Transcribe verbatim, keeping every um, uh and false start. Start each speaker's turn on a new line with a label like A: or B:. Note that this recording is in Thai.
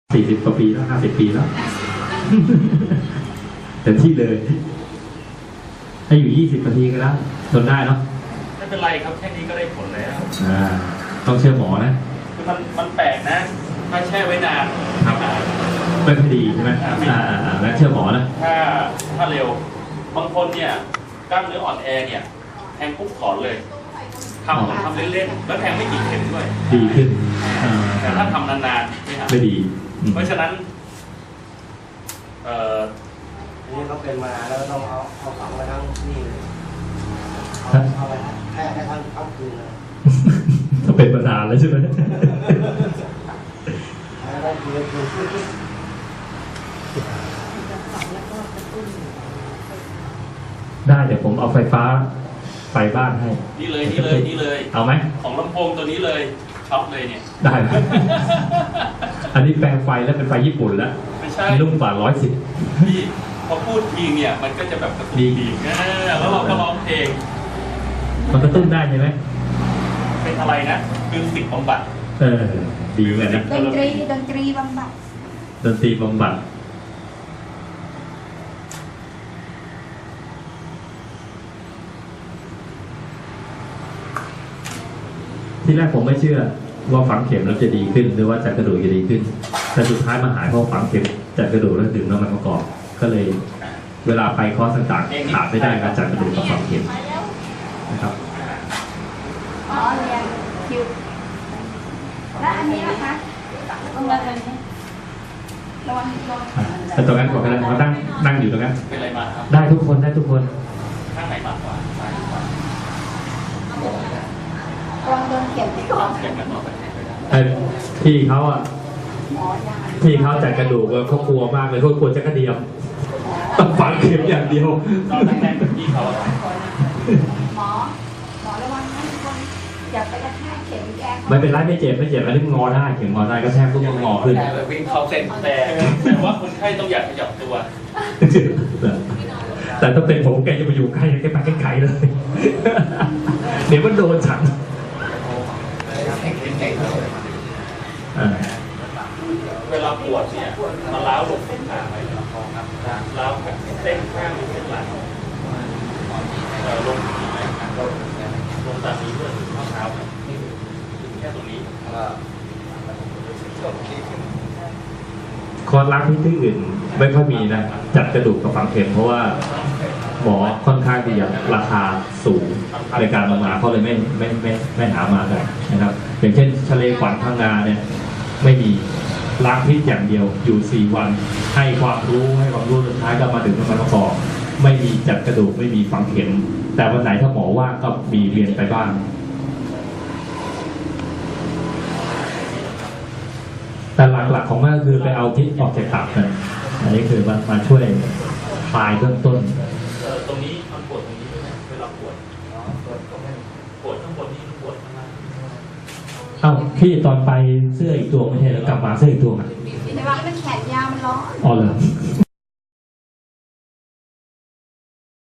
A: สี่สิบกว่าปีแล้วห้าสิบปีแล้วแต่ที่เลยให้อยู่ยี่สิบนาทีก็ได้ทนได้เนาะ
B: ไม่เป็นไรครับแค่นี้ก็ได้ผลแล้ว
A: อ่าต้องเชื่อหมอนะ
B: คือมันมันแปลกนะถ้าแช่ไว้นาน
A: ครับไม่ค่อยดีใช่ไหมอ่าอ่าแล้วเชื่อหมอนะ
B: ถ้าถ้าเร็วบางคนเนี่ยกล้ามเนื้ออ่อนแอเนี่ยแทงปุ๊บถอนเลยทำทำเล่นๆแล้วแทงไม่กี่เข็มด้วย
A: ดีขึ้น
B: แต่ถ้าทำนานๆไม่หาย
A: ไม่ดี
B: เพราะฉะนั้นเอ่อ
C: นี่เขาเป็นมาแล้วต้องเอาเอาฝังไว้ทั้งนี่เลยเอาไปแค่ให้ทั้งทั้งคืนเลย
A: ถ้าเป็นมานานแล้วใช่ไหม
C: ได้คืนคืน
A: ได้เดี๋ยวผมเอาไฟฟ้าไฟบ้านให้
B: นี่เลยนี่เลยนี่เลย
A: เอาไหม
B: ของลำโพงตัวนี้เลยช็อปเลยเนี่ย
A: ได้ไหมอันนี้แปลงไฟแล้วเป็นไฟญี่ปุ่นแล้ว
B: ไม่ใช่
A: นุ่มกว่าร้อยสิบ
B: พี่พอพูดทีเนี่ยมันก็จะแบบกระตุ้นดีแล้วเราก็ร้องเพลง
A: มันกระตุ้นได้ใช่ไหม
B: เป็นอะไรนะคือสิ่งบำบัด
A: เออดีเหมือนนะ
D: ดนตรีดนตรีบำบัด
A: ดนตรีบำบัดที่แรกผมไม่เชื่อว่าฝังเข็มแล้วจะดีขึ้นหรือว่าจัดกระดูกจะดีขึ้นแต่สุดท้ายมาหายเพราะฝังเข็มจัดกระดูกแล้วดึงน้ำมันประกอบก็เลยเวลาไปคอร์สต่างๆขาดไม่ได้การจัดกระดูกกับฝังเข็มนะครับ
D: อ๋อเรียนคิวแล้วอันนี้นะคะตรงนั้นนี้ระวังระวัง
A: แต่ตรงนั้นก่อนกันเขานั่งนั่งอยู่ตรงนั้น
B: เป็นอะไรมาครับ
A: ได้ทุกคนได้ทุกคน
B: ข้างไหนมากกว่าซ้ายกว่า
D: ระวังโดนเข็มที่ก่อน
B: เข็มกันต่อไป
A: ไอ้พี่เขาอ่ะพี่เขาจัดกระดูกเขากลัวมากเลยเขากลัวจะกระเดียมต้องฝังเข็มอย่างเดียว
B: ตอนแรกๆพี่เขา
D: หมอหมอระวังนะทุกคนอย่าไปกระแทกเข็มแก
A: ไม่เป็นไรไม่เจ็บไม่เจ็บอันนี้งอได้เข็มงอได้ก็แทบทุกงอขึ้น
B: วิ่งเขาเส้นแต่แต่ว่าคนไข้ต้องอยากขยับตัว
A: แต่ถ้าเป็นผมแกจะมาอยู่ใกล้แกไปไกลๆเลยเดี๋ยวมันโดนฉัน
B: เวลาปวดเนี่ยมาล้าวลงเส้นขาไปล้าวเส้นข้างเส้นหลังลงลงตามนี้ด้วยข้อเท้าแค่ตรงนี้
A: คอร์สรักที่ที่อื่นไม่ค่อยมีนะจัดกระดูกกับฝังเข็มเพราะว่าหมอค่อนข้างที่จะราคาสูงในการมาเขาเลยไม่ไม่ไม่ไม่หามากันนะครับอย่างเช่นทะเลขวัญพังงาเนี่ยไม่มีล้างพิษอย่างเดียวอยู่สี่วันให้ความรู้ให้ความรู้สุดท้ายก็มาถึงน้ำมันประกอบไม่มีจัดกระดูกไม่มีฝังเข็มแต่วันไหนถ้าหมอว่างก็มีเรียนไปบ้างแต่หลักๆของมันก็คือไปเอาพิษออกจากตับนะอันนี้คือมามาช่วยคลายเบื้องต้น
B: ตรงนี้มันปวดตรงนี้ด้วยนะเวลาปวดปวดข้างบนนี่ปวดข้างล่าง
A: เอ้าพี่ตอนไปเสื้ออีกตัวไม่ใช่แล้วกลับมาเสื้ออีกตัวอ่ะ
D: แต่ว่ามันแขนยาวมันร้อน
A: อ๋อเหรอ